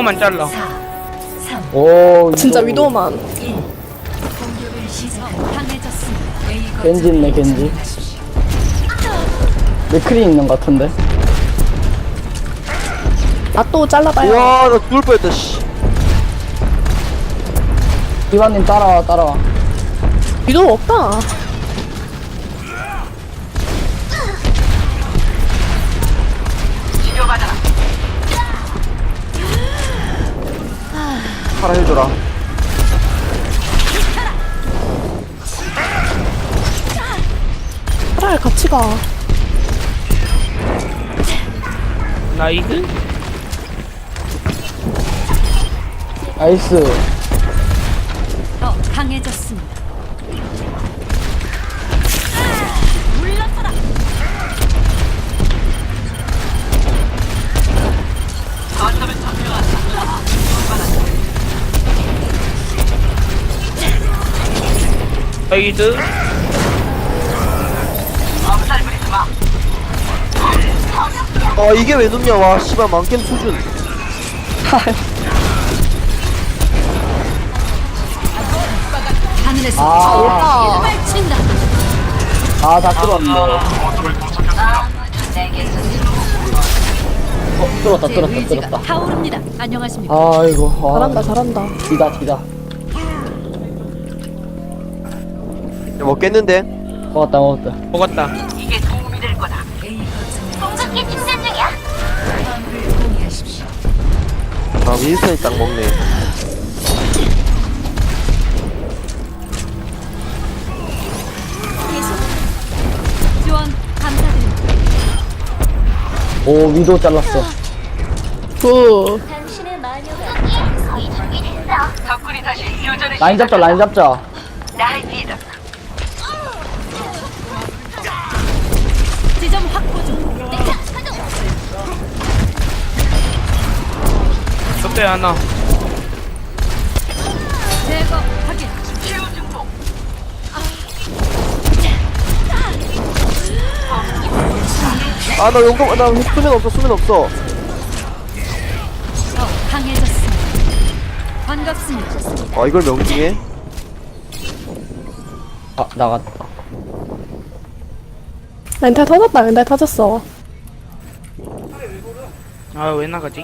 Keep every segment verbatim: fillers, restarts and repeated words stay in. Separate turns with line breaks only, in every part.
위도만 잘라.
오
진짜
위도.
위도만.
겐지 있네 겐지. 맥크리 있는 것 같은데.
나 또 잘라봐요.
우와 나 죽을 뻔했다 씨.
디바님 따라와 따라와.
위도 없다.
팔아 해줘라.
차라리 같이 가.
나이스.
나이스.
더 강해졌습니다. 물러서라.
나이스.
아 이게 왜 눕냐 와 씨발 망겜 수준.
하늘에서
아.
펼친다.
아 다 뚫었네. 어 뚫었다
제
뚫었다
의지가
뚫었다.
타오릅니다. 안녕하십니까?
아이고. 아,
잘한다 잘한다.
디다 디다.
먹겠는데?
먹었다 먹었다.
먹었다.
아 윈스턴이 딱 먹네.
지원 감사드립니다.
오 위도 잘랐어.
굿.
라인 잡자 라인 잡자.
지점 확보 중.
적대 하나.
제거 확인.
아나 용감 나 수면 없어 수면 없어.
더 강해졌습니다. 반갑습니다.
아 이걸 명중해?
아 나갔다.
렌탈 터졌다. 렌탈 터졌어.
아 왜 나가지?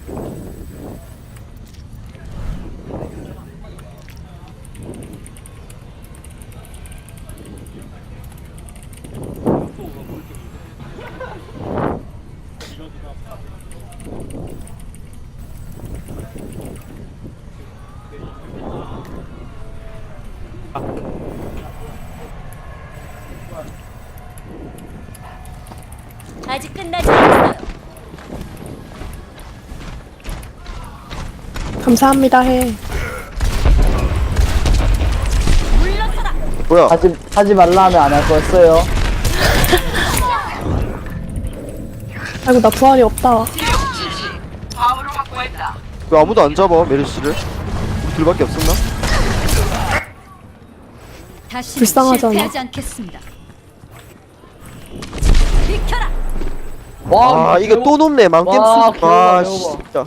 아직 끝나지 않았어요.
감사합니다 해.
물러서라.
뭐야?
하지 하지 말라 하면 안 할 거였어요.
아이고 나 부활이 없다.
왜 아무도 안 잡아 메르시를? 우리 둘밖에 없었나?
다시
불쌍하잖아.
실패하지 않겠습니다. 비켜라.
와
아 이거 또 높네 망겜
와,
수준.
개오바,
아
개오바.
진짜.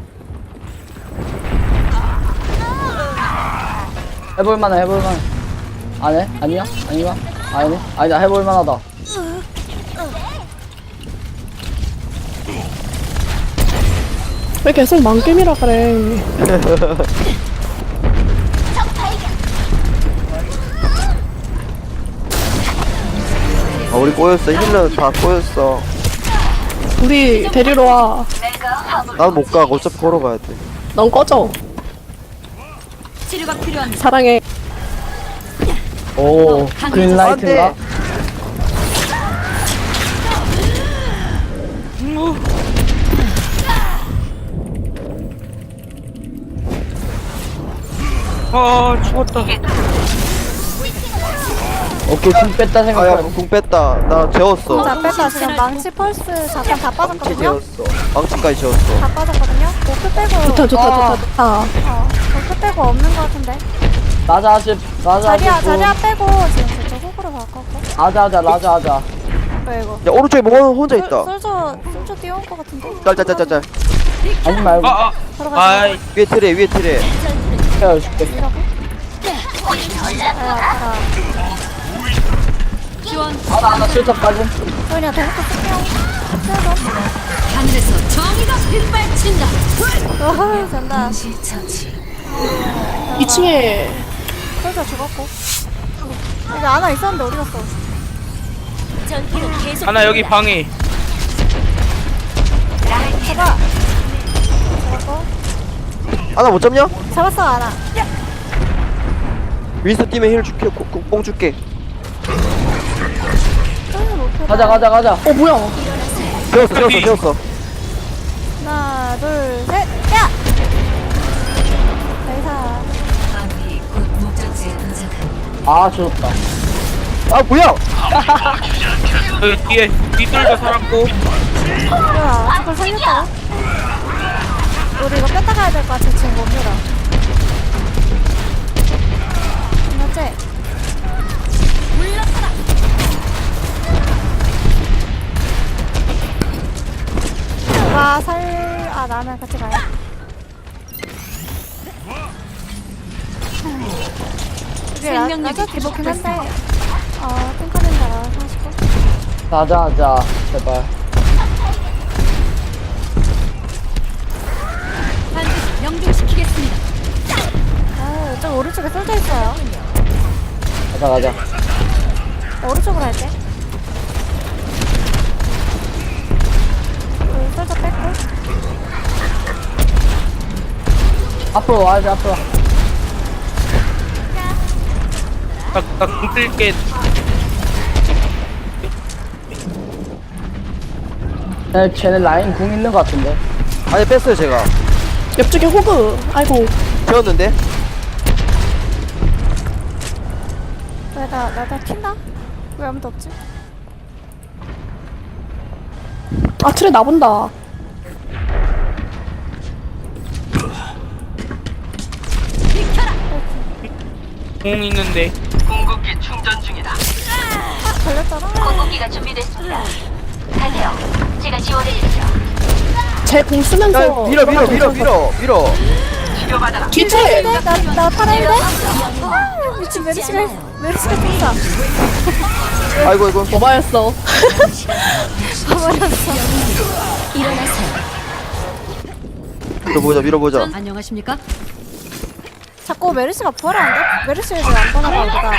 해볼만해 해볼만. 안 해? 아니야? 아닌가? 아니네? 아니다 해볼만하다.
왜 계속 망겜이라 그래.
아 우리 꼬였어 힐러 다 꼬였어.
우리 데리러 와.
난 못 가. 어차피 걸어가야 돼.
넌 꺼져.
치료가 필요합니다.
사랑해.
오 그린라이트인가?
아 죽었다.
오케이 궁 뺐다
아야
생각해.
궁 뺐다. 나 재웠어.
자, 뺐다. 지금 망치 펄스 잠깐 다
망치
빠졌거든요?
재웠어. 망치까지 재웠어.
다 빠졌거든요? 도크 빼고,
좋다 좋다
아.
좋다 좋다.
어, 도크 빼고 없는 거 같은데?
라자 하실 라자
자리야,
하실
자리야
분.
빼고 지금 저쪽 호구로 바꿨고.
하자 하자 라자 하자.
왜 이거?
야 오른쪽에 뭐 혼자 있다.
솔저, 솔저 뛰어온 거 같은데?
짤짤짤짤짤.
아니 말고
아아
들어가자.
아이
위에 트레 위에 트레.
헤어줄게.
아,
지원.
하나 하나 슬쩍 빠짐.
그냥 대놓고 쓸게요. 쓸어.
하늘에서 정의가 빗발친다.
와, 잔다.
이 층에
솔저 죽었고. 이제 아나 있었는데 어디 갔어?
전투는 계속.
하나 여기 방에
잡아. 잡았고.
아나 못 잡냐?
잡았어, 아나.
윈스 뛰면 힐 줄게. 공- 공- 뽕 줄게.
솔저 못
가자 가자 가자.
어 뭐야?
세웠어 세웠어 세웠어.
하나, 둘, 셋. 야! 나이사.
아 죽었다.
아 뭐야?
여기 뒤에 뒤돌도 살았고
뭐야, 저걸 살렸다고? 우리 이거 뺐다 가야 될 것 같아, 지금 못 밀어. 맞지?
물러서라.
와, 살, 아, 나는 같이 가요. 이게 나,
생명력이
나도 기복긴 한데, 어, 핑크는 달아서 하시고.
가자 가자 제발.
반드시 명중시키겠습니다.
아, 저 오른쪽에 쏠져 있어요.
가자 가자.
나 오른쪽으로 할게. 여기 쏠져 뺐고.
앞으로 와야지 앞으로.
나나궁 뜰게
쟤네, 쟤네 라인 궁 있는 것 같은데.
아니 뺐어요 제가.
옆쪽에 호그. 아이고.
세웠는데.
왜 나, 나, 나 튄다? 왜 아무도 없지?
아 트레 나본다.
궁 있는데
아, 걸렸잖아.
공기가 준비됐습니다. 가세요. 제가 지원해드리죠.
제 공 쓰면서.
야 밀어 밀어 밀어 밀어 밀어.
뒤 트레.
나, 나 팔아야 돼? 아, 미친 메르시가, 메르시가 뛴다.
아이고 아이고.
오바였어.
가버렸어.
일어나세요.
밀어보자 밀어보자.
안녕하십니까?
자꾸 메르시가 부활을 안 돼? 메르시를 왜안 떠나가, 우리가.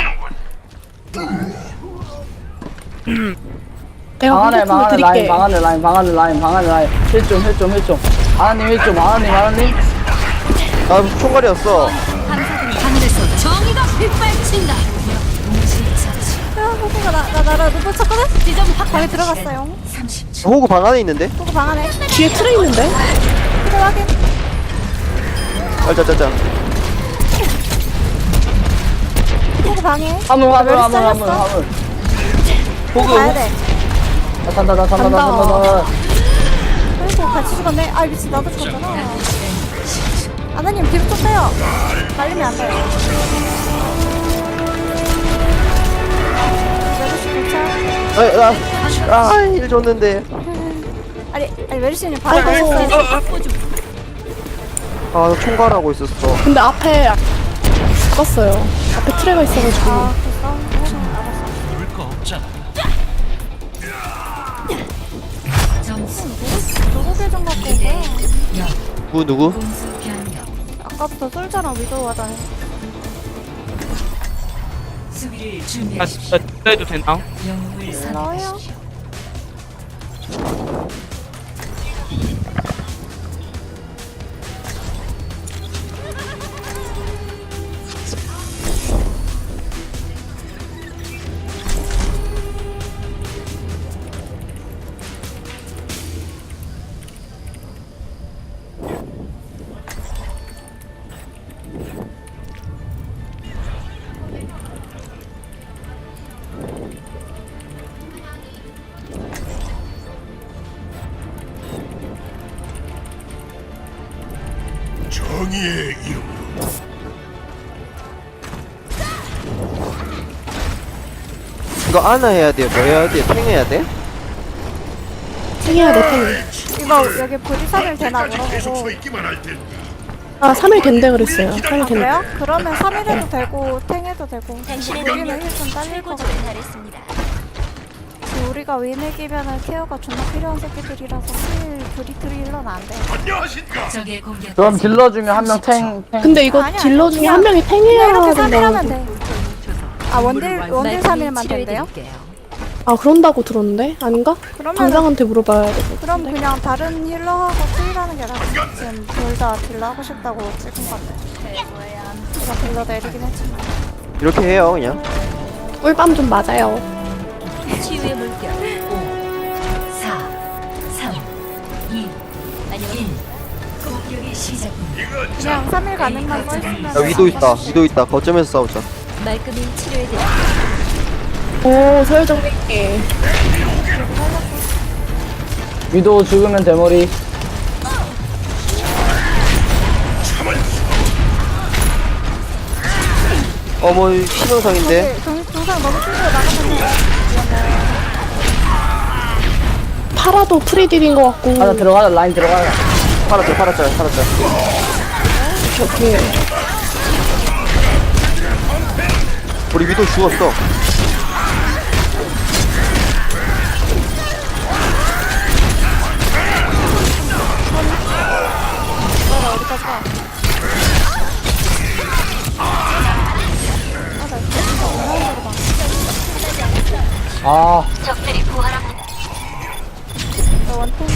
내가
방 안에
공격품을
방 안에
드릴게.
라인 방 안에 라인 방 안에 라인 방 안에 라인. 힐좀 힐좀 힐좀. 하나님 힐좀 하나님 하나님.
아 총괄이었어.
하늘에서 정의가 빗발친다.
야, 호구가 나, 나, 나를 눈을 쳤거든?
지점 확
방에 들어갔어요.
호구 방 안에 있는데.
호구 방 안에.
뒤에 트레 있는데?
그래, 확인.
알짜짜짜.
호구 방에.
화물 화물
메르시
화물 화물
잘렸어?
화물.
호그
가야 돼.
나 산다 나 산다 나
간다.
산다 나.
그리고 같이 죽었네. 아, 미친, 나도 죽었잖아. 아나님, 뒤로 좀 빼요. 말리면 안 돼요. 메르시 괜찮아?
아일 줬는데.
아니, 아니, 메르시님 바로
아이고.
가셨어요.
아 총괄하고 있었어.
근데 앞에 죽었어요. 앞에 트레가 있어가지고.
아, 그 싸움 알았어. 누구 계정 갖고 온 거야?
누구 누구?
아까부터 솔자랑 위도우 하다니.
나 진짜 해도 되나?
나와요.
정의의 이름.
이거 안아 해야 돼. 뭐 해야 돼? 탱 해야 돼?
탱해야 돼 탱.
이거 이거 여기 보디 삼 일 되나
끝까지 계속
물어보고.
서 있기만 할 텐데.
아 삼 일 된대 그랬어요. 삼 일
아
된대.
그래요? 그러면 삼 일 해도 되고 탱 해도 되고.
당신의
우리는
능력이
힐 좀 딸릴 것 같아.
최고조에 달했습니다.
지금 우리가 윈이기면은 케어가 존나 필요한 새끼들이라서 힐 브리트리 힐러는 안 돼.
안녕하십니까.
적의 공격.
그럼 딜러 중에 한 명 탱, 탱.
근데 이거
아니야,
딜러 중에
그냥-
한 명이
그냥
탱해야
이렇게 삼 일
된다고.
하면 돼. 아 원딜 원딜 삼 일만 된대요?
아 그런다고 들었는데? 아닌가?
그러면
당장한테 물어봐야 되고.
그럼 그냥 다른 힐러하고 트일하는 게 낫지. 지금 둘 다 딜러 하고 싶다고 찍은 건데. 제가 딜러 내리긴 했지만.
이렇게 해요 그냥.
꿀밤 좀 맞아요.
치유의 물결. 오, 사, 삼, 이, 일. 공격의 시작입니다.
그냥 삼 일 가능만 써있으면.
야 위도 있다. 위도 있다. 거점에서 싸우자.
말끔히 치료해드릴게요.
오 서열정리기.
위도 죽으면 대머리.
어머 신영상인데.
동, 동상 너무 충분히 나가면 돼.
파라도 프리딜인 것 같고.
가자, 들어가자, 라인 들어가자.
팔았죠 팔았죠 팔았죠.
오케이.
우리 위도 죽었어.
나 어디까지 가?
아,
적들이 부활합니다.
나 원통을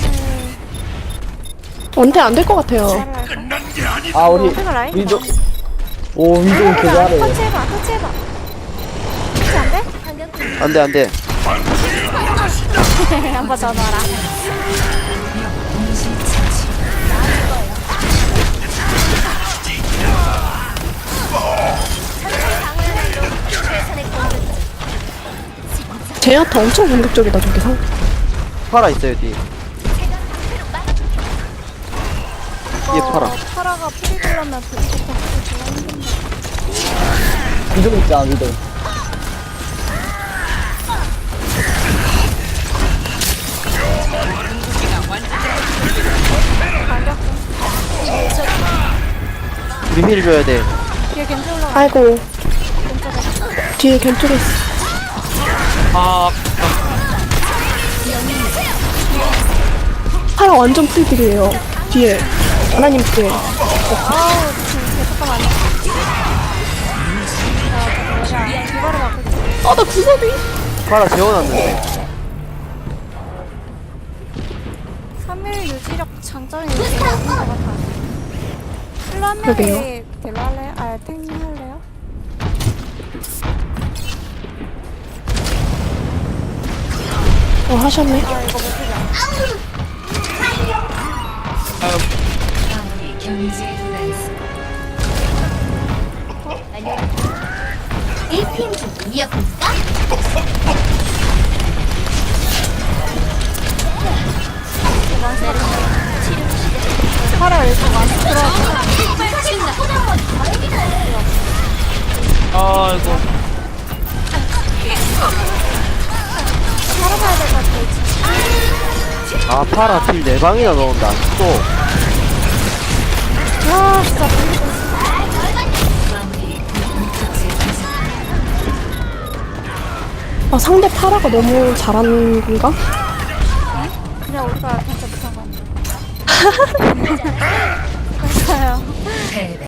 원태 안 될 것 같아요.
잘할까?
끝난 게 아니다.
아, 우리
원통을 라인
위도. 오, 위도 개 잘해.
터치해봐, 터치해봐. 터치 안 돼?
안돼 안돼.
한번 더 넣어라.
제야타 엄청 공격적이다 저기 상.
팔아 있어요 뒤. 뒤에 팔아.
어, 파라가 프리딜러면 브리부터 하기 졸라 힘든데.
위도 있잖아, 위도.
우리 힐 줘야 돼.
뒤에 겐지 올라가.
아이고. 뒤에 겐쪽에 있어.
아,
파라 완전 프리딜이에요. 뒤에. 하나님 뒤에.
아우, 지금 잠깐만. 자, 뭐냐. 디바를 바꿀게.
아나 구석이.
팔아 재워놨는데.
삼 일 유지력 장점이 있는 것 같아. 힐러 한
그러게요.
명이 딜러 할래요? 아, 탱 할래요?
어 하셨네.
아, 이거 못 쓰자.
아무리 경제에 도달했습니다. 일핑 중 이어볼까?
파라 일단 많이 들어왔어.
아, 이거.
파라 가야 될 것 같아.
아 팔아 딜 네 방이나 넣은다. 또.
와, 진짜.
아 상대 파라가 너무 잘하는 건가?
그냥 우리가 진짜 못한 거 같아. 맞아요.